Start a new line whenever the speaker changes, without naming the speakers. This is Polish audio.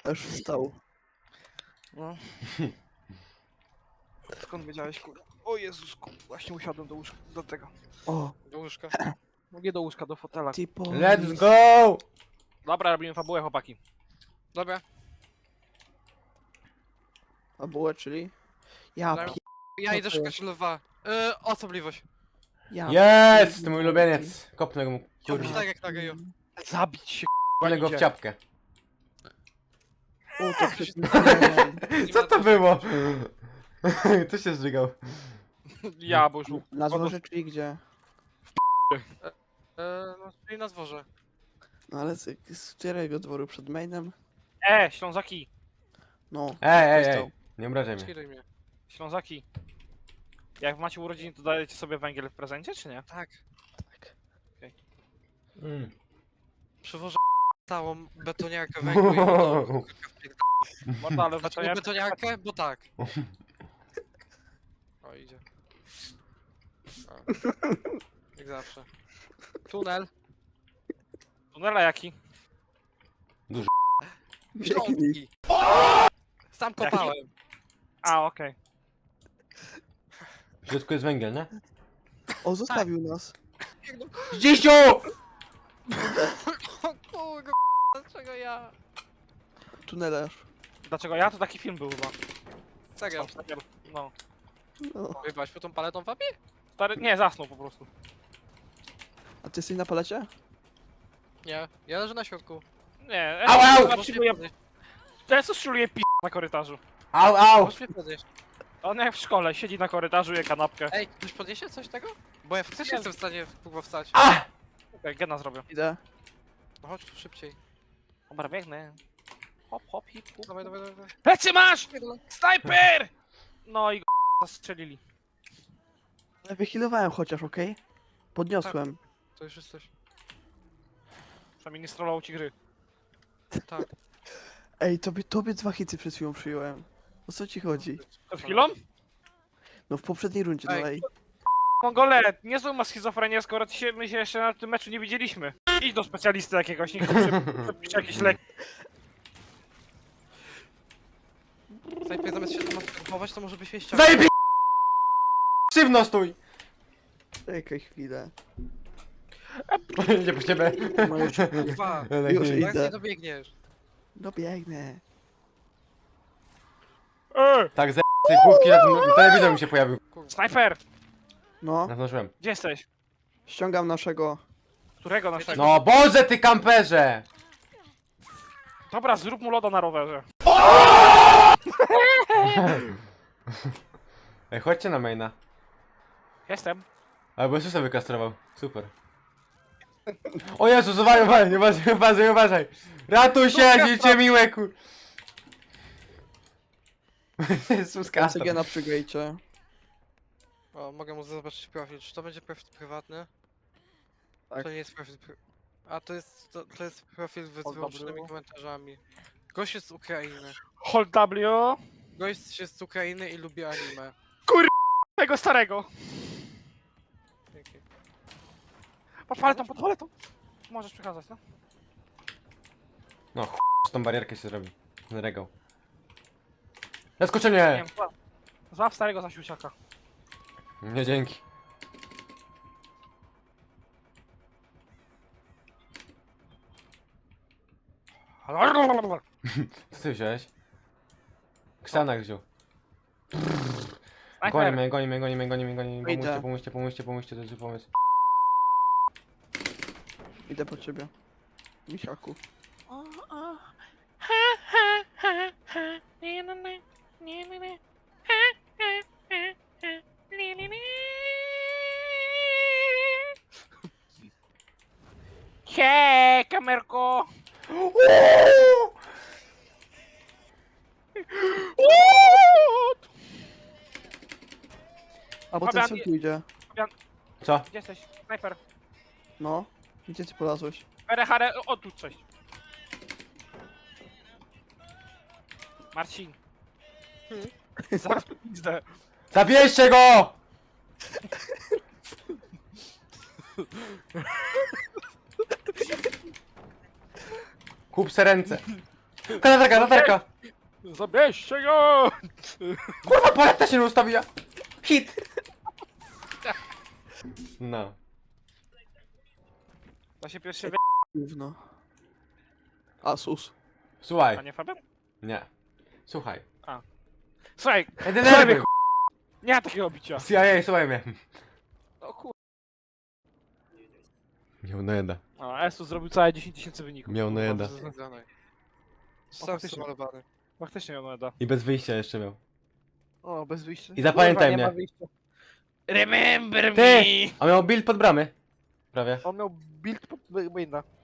Aż wstał.
No. Skąd wiedziałeś, kurwa? O Jezusku, właśnie usiadłem do łóżka, do tego.
O,
Do łóżka. No nie do łóżka, do fotela.
tipo.
Let's go!
Dobra, robimy fabułę, chłopaki.
Dobra.
A bułę, czyli? Ja
Dobra.
pi...
Ja
Co
idę
to
szukać lwa. Osobliwość.
Ja
Jest!
pierdolę.
Mój ulubieniec. Kopnę mu,
Kurwa.
kurwa.
Tak jak na geju.
Zabić się,
Kopnę go w
idzie.
ciapkę.
O, to przecież...
Co to było? Co się zżygał?
Ja, bo już...
Na dworze, czyli gdzie?
No, czyli na dworze.
No ale z którego dworu? Przed mainem?
Ślązaki,
No.
Ej,
wstał.
nie obrażaj mnie.
Skiruj mnie.
Ślązaki. Jak macie urodziny, to dajecie sobie węgiel w prezencie, czy nie?
Tak.
Tak.
Mm.
Przywożę całą betoniarkę węgla i betonu.
Morda, ale
Dlaczego betoniarkę? Bo tak. O, idzie. O. Jak zawsze. Tunel.
Tunela jaki?
Śląski. Sam kopałem.
A, okej.
W środku jest węgiel, nie?
O, zostawił nas.
Zdzisiu!
O kurwa, dlaczego ja?
Tunelarz.
Dlaczego ja? To taki film był chyba.
Serio.
No.
No.
Wyjebałeś po tą paletą wapie?
Stary, nie, zasnął po prostu.
A ty jesteś na palecie?
Nie. Ja leżę na środku.
Nie,
Au, au!
Możesz mnie podnieść.
Jezus szuluje na korytarzu.
Au, au!
Możesz mnie podnieść.
On jak w szkole, siedzi na korytarzu, je kanapkę.
Ej, ktoś podniesie coś tego? Bo ja faktycznie jestem w stanie kurwa wstać.
A!
Okej, gena zrobię.
Idę.
No chodź tu szybciej.
Dobra, biegnę. Hop, hop, hip, hop.
Dawaj, dawaj, dawaj.
Plecy masz! Snajper! No i go zastrzelili.
Ale wychilowałem chociaż, okej? Podniosłem.
To już jesteś.
Przynajmniej nie strolał ci gry.
Tak.
Ej, tobie 2 hity przed chwilą przyjąłem. O co ci chodzi?
Przed chwilą?
No w poprzedniej rundzie, no
Ej.
ej.
Mongole, niezłą ma schizofrenię, skoro my się jeszcze na tym meczu nie widzieliśmy. Idź do specjalisty jakiegoś, niech przepisze jakieś leki.
Najpierw zamiast się tam masturbować, to może byś się ściągnął.
Zajebie! Szywno stój!
Czekaj chwilę.
Idzie po ciebie.
No już,
Kurwa.
już
Jak nie
idę.
dobiegnesz?
Dobiegnę.
Tak, z tej główki telewizor mi się pojawił.
Kurwa.
Snajper!
No,
Naznaczyłem.
Gdzie jesteś?
ściągam naszego.
Którego naszego?
No Boże, ty kamperze!
Dobra, zrób mu loda na rowerze.
Ej, chodźcie na maina.
Jestem.
Albo Jezusa wykastrował. Super. O Jezus, uważaj, uważaj! Ratuj się, dziecię miłe, kur... Jezus, kastro.
CG na przygajcie.
O, mogę mu zobaczyć profil. Czy to będzie profil prywatny?
Tak.
To nie jest profil A to jest profil z
O,
wyłączonymi
dobra.
komentarzami. Gość jest z Ukrainy.
Hold W.
Gość jest z Ukrainy i lubi anime.
Tego starego.
Dzięki.
Pod paletą, pod paletą. Możesz przekazać, no?
No z tą barierkę się zrobi. Na regał. Zaskoczy
Nie
mnie!
wiem, złap starego za siusiaka.
Nie, dzięki. Co ty wziąłeś? Ksanak wziął.
Snajper!
Gonimy.
Idę.
Pomóżcie, to jest pomysł.
Idę po ciebie. Misiaku.
Hej, kamerko!
Albo ten
Fabian,
co tu idzie.
Co?
Gdzie jesteś? Snajper.
No. Gdzie ty polazłeś?
Hare, o tu coś. Marcin. Zaraz pizdę.
Zabierzcie go! Kup se ręce. Latarka, latarka!
Zabierzcie go!
Kurwa, paleta się nie ustawiła! Hit! No.
To się pierwszy
Gówno. Asus.
a
Słuchaj.
nie Fabian?
Nie. Słuchaj.
Słuchaj,
Nie denerwuj!
nie ma takiego bicia.
CIA, słuchaj mnie.
O kur...
Miał najeda.
A, Esu zrobił całe 10 000 wyników.
Miał najeda.
Sam
faktycznie.
zamalowany.
Faktycznie miał najeda.
I bez wyjścia jeszcze miał.
O, bez wyjścia.
I zapamiętaj
Kurwa, nie
mnie.
ma wyjścia. Remember
Ty!
me!
A miał build pod bramy. Prawie.
On miał build pod... Winda.